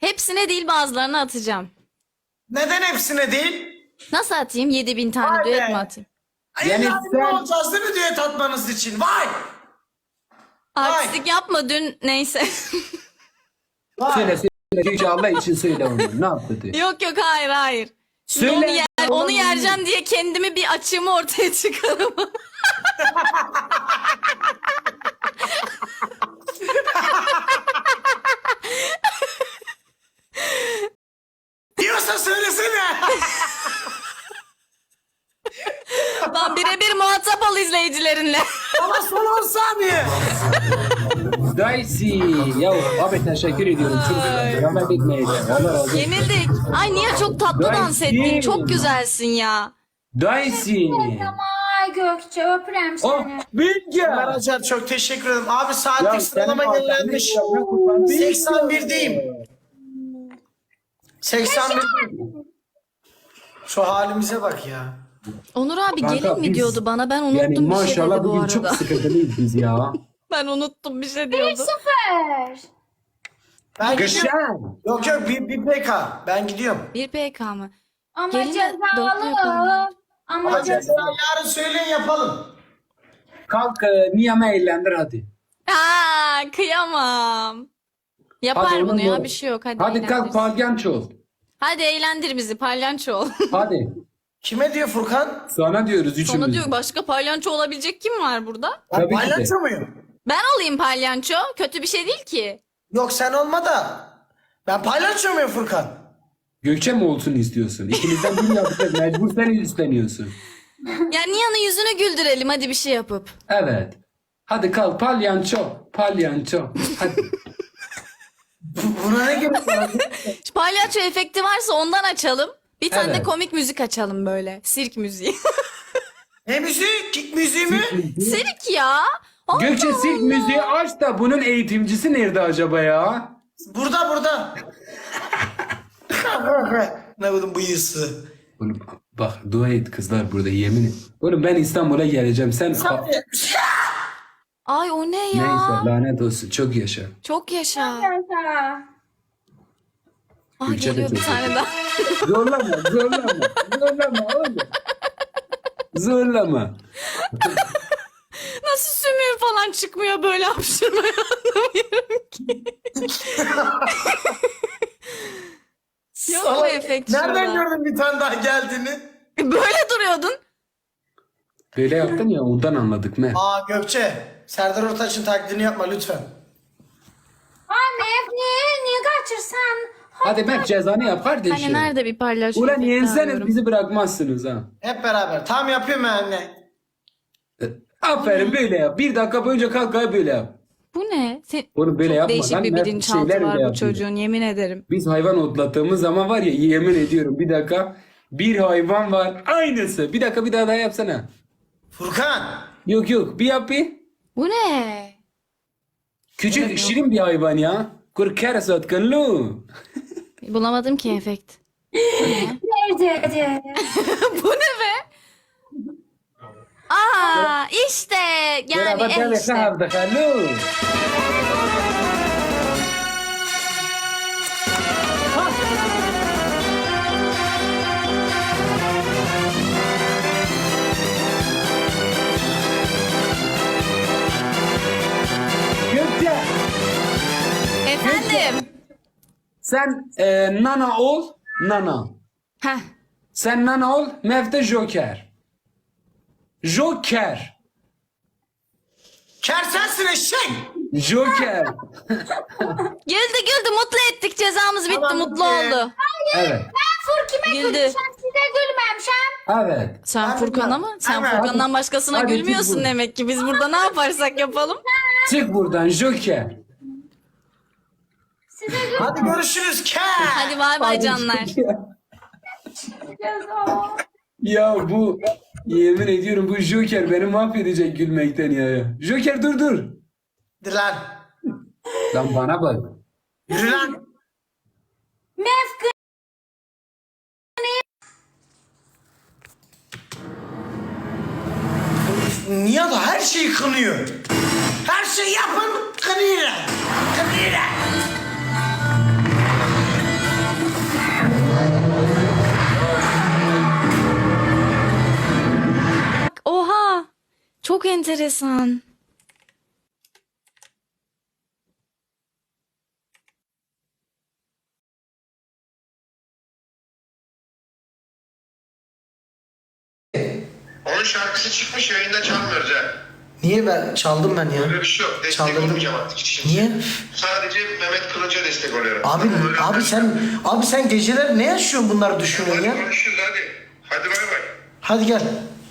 Hepsine değil bazılarına atacağım. Neden hepsine değil? Nasıl atayım? 7000 tane Vay düet be. mi atayım? Yani Yani sen- olacağız değil mi düet atmanız için? Vay! Artistlik yapma dün neyse. Vay! Söyle söyle. Yüce Allah için söyle onu. Ne yaptı diye. Yok hayır. Şimdi Söyle. onu yereceğim diye kendimi bir açığımı ortaya çıkarım. Diyorsa söylesene. Lan birebir muhatap ol izleyicilerinle. Ama son 10 saniye. Daysi. Ya abi teşekkür ediyorum. Çok rahmet etmeyin. Allah razı olsun. Yenildik. Ay niye çok tatlı Ben dans ettin? kim? Çok güzelsin ya. Daysi. Ay Gökçe öpürüm Oh seni. Bilge. Ömer Acar çok teşekkür ederim. Abi Ya saatlik sıralama senin yenilenmiş. adamın kurban değil. 81'deyim. 81'deyim. Şu halimize bak ya. Onur abi Kanka gelin mi biz- diyordu bana? Ben unuttum Yani bir şey maşallah dedi bu bugün arada. çok sıkıntılıyız biz ya. Ben unuttum bir şey diyordu. 1-0. Ben gidiyorum. Gışan. Yok yok bir PK. Ben gidiyorum. Bir PK mı? Ama Gelin de dörtlü cezalı. yapalım. Ama Ama cezalı. ceza yarın söyleyin yapalım. Kalk niyeme eğlendir hadi. Aa, kıyamam. Yapar Hadi bunu oğlum, ya doğru. bir şey yok. Hadi, Hadi kalk eğlendirsin. palyanço ol. Hadi eğlendir bizi palyanço ol. Hadi. Kime diyor Furkan? Sana diyoruz üçümüz. Sonra diyor başka palyanço olabilecek kim var burada? Ben Tabii ki de. paylaşıyor muyum? Ben olayım palyanço. Kötü bir şey değil ki. Yok sen olma da. Ben paylaşıyor muyum Furkan? Gökçe mi olsun istiyorsun? İkimizden biri yapacak. Mecbur sen üstleniyorsun. Ya Nihan'ın yüzünü güldürelim hadi bir şey yapıp. Evet. Hadi kalk palyanço. Palyanço. Hadi. Buna ne gerek var? Şu palyaço efekti varsa ondan açalım. Bir tane de Evet. komik müzik açalım böyle. Sirk müziği. Ne müziği? Kick müziği mi? Sirk ya. Allah Gökçe sirk Allah. müziği aç da bunun eğitimcisi nerede acaba ya? Burada. Ne bu bıyısı? Oğlum bak dua et kızlar burada yemin et. Oğlum ben İstanbul'a geleceğim. Sen Ay o ne ya? neyse lanet olsun. Çok yaşa. Çok yaşa. Yaşa. Ah Gülçe de geliyor bir çok tane yaşa. daha. Zorlama. Zorlama oğlum. Zorlama. Nasıl sümüğü falan çıkmıyor böyle hapşırmaya anlamıyorum ki. Yok mu efekt Nereden şurada? gördün bir tane daha geldiğini? Böyle duruyordun. Böyle yaptın ya ondan anladık ne? Aa Gökçe. Serdar Ortaç'ın taklidini yapma lütfen. Anne niye kaçırsan? Hadi ben cezanı yap kardeşim. Hani nerede bir palyaço Ulan efekti yenseniz arıyorum. bizi bırakmazsınız ha. Hep beraber. Tam yapıyorum ben anne. Aferin böyle yap. Bir dakika boyunca kalk böyle yap. Bu ne? Oğlum böyle Çok yapma değişik lan. bir Mert bilinçaltı şeyler var bile bu yapıyor. çocuğun yemin ederim. Biz hayvan otlattığımız zaman var ya yemin ediyorum bir dakika. Bir hayvan var aynısı. Bir dakika bir daha yapsana. Furkan. Yok bir yap bir. Bu ne? Küçük şirin bir hayvan ya. Kurkar satkınlı. Bulamadım ki efekt. Nerede? Bu ne be? Aa işte yani işte. Hello. Gökçe Efendim. sen nana ol. Nana. Heh. Sen nana ol. Mevte Joker. Joker. Ker sensin eşek. Joker. Güldü mutlu ettik cezamız bitti Tamam, mutlu bitti. oldu. Evet. Fur kime Güldü. gülmüşem size gülmemişem. Evet. Sen Ben Furkan'a bilmem. mı? Sen Evet. Furkan'dan başkasına Hadi gülmüyorsun çık demek ki. Biz burada ne yaparsak yapalım. Çık buradan Joker. Size gülmeyeceğiz Hadi görüşürüz ker. Hadi bay bay canlar. o. Ya bu yemin ediyorum bu Joker beni mahvedecek gülmekten ya. Joker dur. Hadi lan. Lan bana bak. Yürü lan. Mevkı. Niye da her şeyi kınıyor? Her şeyi yapın kınıyor. Kınıyor. çok enteresan. Onun şarkısı çıkmış, yayında çalmıyoruz ha. Niye ben çaldım ben ya? Öyle bir şey yok. Destek Çaldırdım. olmayacağım artık hiç kimseye. Niye? Sadece Mehmet Kılıç'a destek oluyorum. Abi Öyle abi sen geceler ne yaşıyorsun bunları düşünüyorsun Hadi ya? konuşuruz hadi. Hadi bay bay. Hadi gel.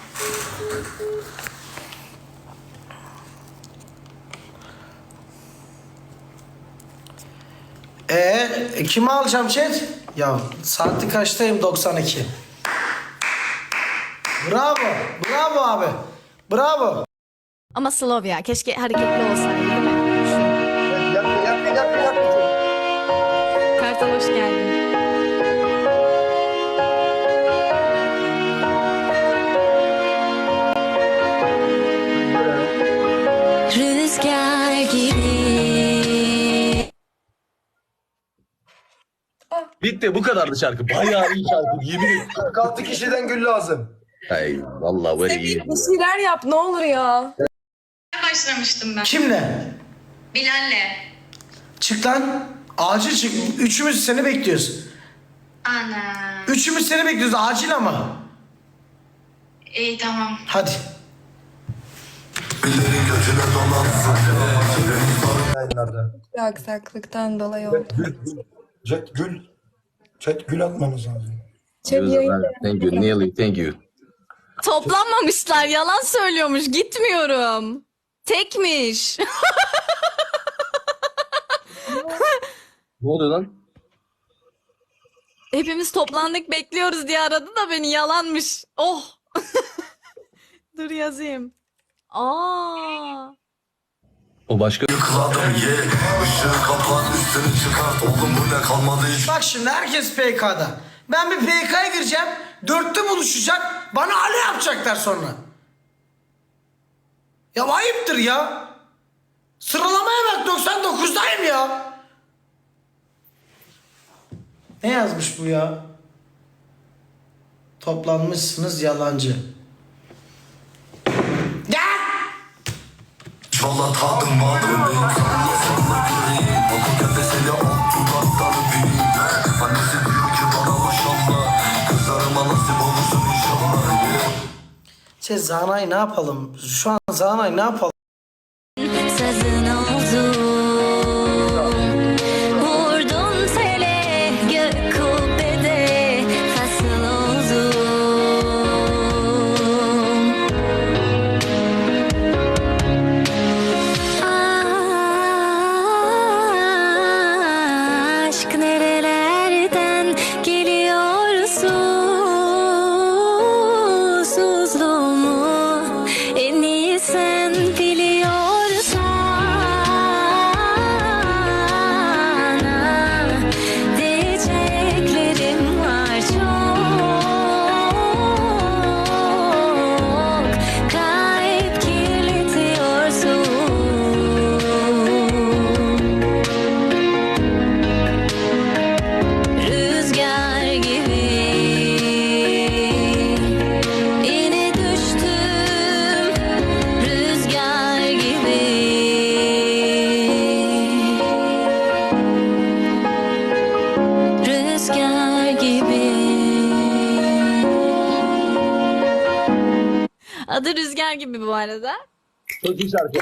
Kimi alacağım chat? Ya saati kaçtayım? 92. Bravo. Bravo abi. Bravo. Ama Slovya keşke hareketli olsaydı değil mi? Kartal hoş geldin. Rüzgar gibi. Bitti bu kadardı şarkı. Bayağı iyi şarkı yemin ederim. 46 kişiden gül lazım. Hey vallahi böyle iyi. Bir şeyler yap ne olur ya. Başlamıştım ben. Kimle? Bilal'le. Çık lan. Acil çık. Üçümüz seni bekliyoruz. Ana. Üçümüz seni bekliyoruz. Acil ama. İyi tamam. Hadi. Yayınlarda. Bir aksaklıktan dolayı oldu. Gül. Chat gül atmamız lazım. Çek yayın. Thank you Nearly thank you. Toplanmamışlar. Yalan söylüyormuş. Gitmiyorum. Tekmiş. Ne oldu lan? Hepimiz toplandık bekliyoruz diye aradı da beni yalanmış. Oh. Dur yazayım. Aa. O başka. Bak şimdi herkes PK'da. Ben bir PK'ya gireceğim. Dörtte buluşacak. Bana Ali yapacaklar sonra. Ya ayıptır ya. Sıralamaya bak 99'dayım ya. Ne yazmış bu ya? Toplanmışsınız yalancı. Ya! Çala tadım var bebeğim salla salla göreyim Bakın kepe seni alt dudakları büyüyüm Annesi diyor ki bana maşallah Kızlarıma nasip olursun inşallah Zanay ne yapalım? Şu an Zanay ne yapalım? Sazın oldum. Vurdun tele gök kubbede fasıl oldum. Aşk nerelerden geliyor susuzluğumu en iyi sen diyeceklerim var çok kalp kirletiyorsun rüzgar gibi yine düştüm rüzgar gibi rüzgar gibi. Adı Rüzgar gibi bu arada. Çok iyi şarkı.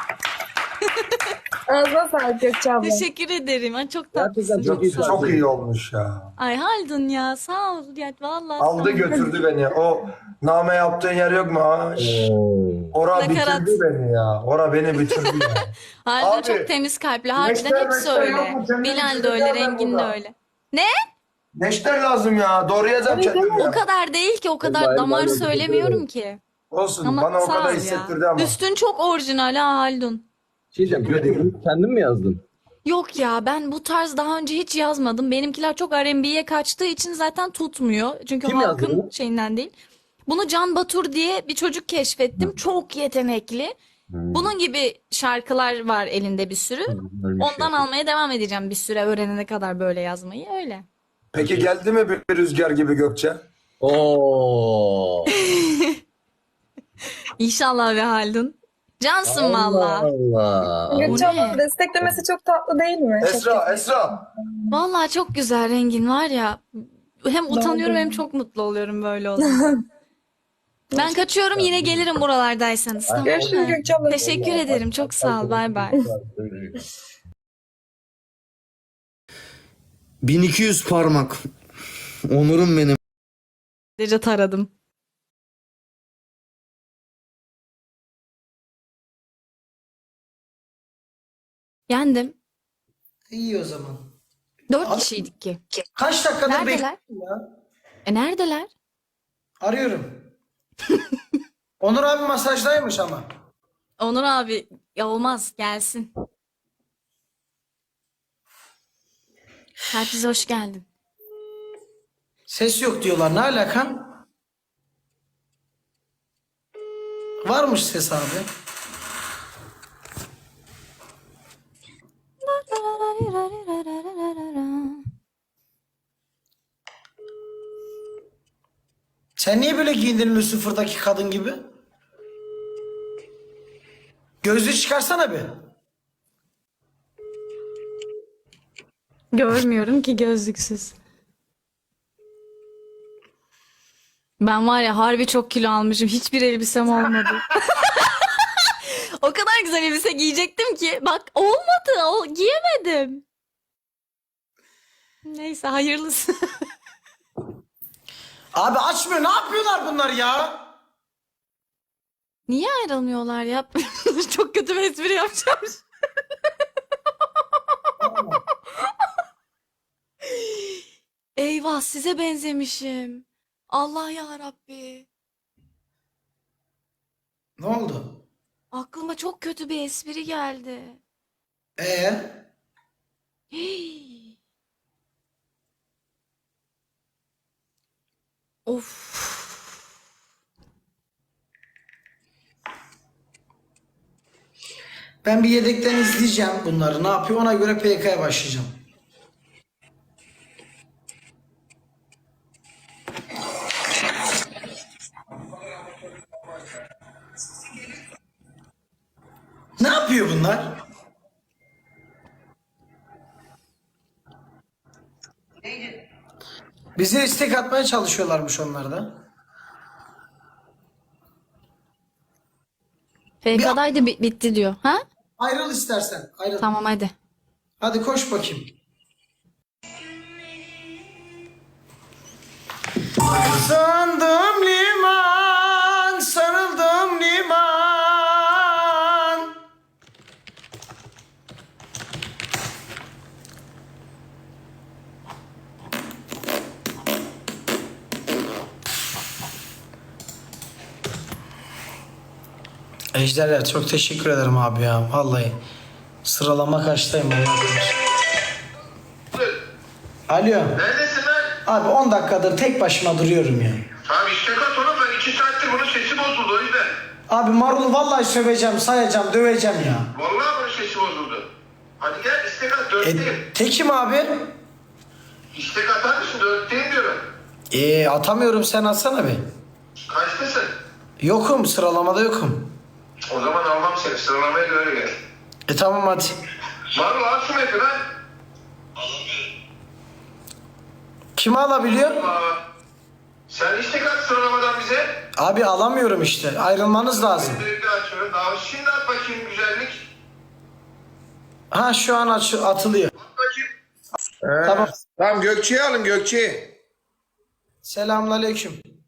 Ağzına sağlık Gökçe abla. Teşekkür ederim. Ay, çok Gerçekten tatlısın. çok iyi şarkı. Çok iyi olmuş ya. Ay Haldun ya sağ ol ya vallahi. Aldı sağ ol. götürdü beni. O name yaptığın yer yok mu? Ha? Ora Nakarat. bitirdi beni ya. Ora beni bitirdi ya. Haldun Abi, çok temiz kalpli. Harbiden Neşter, hepsi Neşter öyle. yok mu? Senin Bilal de bir öyle, şeyler var Rengin de burada. öyle. Ne? Neşter lazım ya. Doğrayacağım kendimi. O kadar değil ki, o kadar Hayır, damar hayır, söylemiyorum ki. Olsun. Ama Bana o sağ ol kadar ya. hissettirdi ama. Üstün çok orijinal ha Haldun. Şey diyeceğim. Kendin mi yazdın? Yok ya, ben bu tarz daha önce hiç yazmadım. Benimkiler çok R&B'ye kaçtığı için zaten tutmuyor. Çünkü Kim yazdı halkın bunu? şeyinden değil. Bunu Can Batur diye bir çocuk keşfettim. Çok yetenekli. Bunun gibi şarkılar var elinde bir sürü. Ondan almaya devam edeceğim bir süre, öğrenene kadar böyle yazmayı. Öyle. Peki geldi mi bir rüzgar gibi Gökçe? Oo. İnşallah be Haldun. Cansın valla. Allah. Gökçe ne? ablanın desteklemesi çok tatlı değil mi? Çok Esra. Valla çok güzel rengin var ya. Hem utanıyorum hem çok mutlu oluyorum böyle olunca. Ben kaçıyorum, yine gelirim buralardaysanız. Tamam Görüşürüz mı? Gökçe abla. Teşekkür ederim. Çok sağ ol. Bay bay. 1200 parmak. Onurum benim. Sadece taradım. Yendim. İyi o zaman. 4 kişiydik ki. Kaç dakikadır Neredeler? bekliyorum ya. Neredeler? Arıyorum. Onur abi masajdaymış ama. Onur abi ya olmaz gelsin. Herkese hoş geldin. Ses yok diyorlar. Ne alaka? Varmış ses abi. Sen niye böyle giyindin Lucifer'daki kadın gibi? Gözlüğü çıkarsana bir. Görmüyorum ki gözlüksüz. Ben var ya harbi çok kilo almışım. Hiçbir elbisem olmadı. O kadar güzel elbise giyecektim ki. Bak olmadı. Giyemedim. Neyse hayırlısı. Abi açmıyor. Ne yapıyorlar bunlar ya? Niye ayrılmıyorlar ya? Çok kötü bir espri yapacağım. Eyvah size benzemişim. Allah ya Rabbi. Ne oldu? Aklıma çok kötü bir espri geldi. Hii. Of. Ben bir yedekten izleyeceğim bunları. Ne yapıyor? Ona göre PK'ya başlayacağım. Ne yapıyor bunlar? Bize istek atmaya çalışıyorlarmış onlar da. FK'daydı bitti diyor. Ha? Ayrıl istersen. Ayrıl. Tamam hadi. Hadi koş bakayım. Sandım liman, sarıldım liman. Ejderler çok teşekkür ederim abi ya vallahi. Sıralama kaçtayım Allah bilir. Alo. Neredesin lan? Abi 10 dakikadır tek başıma duruyorum ya. Abi işte kat oğlum ben 2 saattir bunun sesi bozuldu o yüzden. Abi Marul'u vallahi söveceğim, sayacağım, döveceğim ya. Vallahi bunun sesi bozuldu. Hadi gel istek at 4'teyim. Tekim abi. İstek atar mısın 4'teyim diyorum. Atamıyorum sen atsana bir. Kaçtasın? Yokum sıralamada yokum. O zaman almam seni sıralamaya göre gel. Tamam hadi. Marul al şu mepi lan. Kimi alabiliyor? Sen istek at sıralamadan bize. Abi alamıyorum işte. Ayrılmanız lazım. Direkt açıyorum. Daha şimdi at bakayım güzellik. Ha şu an atılıyor. At bakayım. Tamam. Tamam Gökçe'yi alın Gökçe'yi. Selamünaleyküm.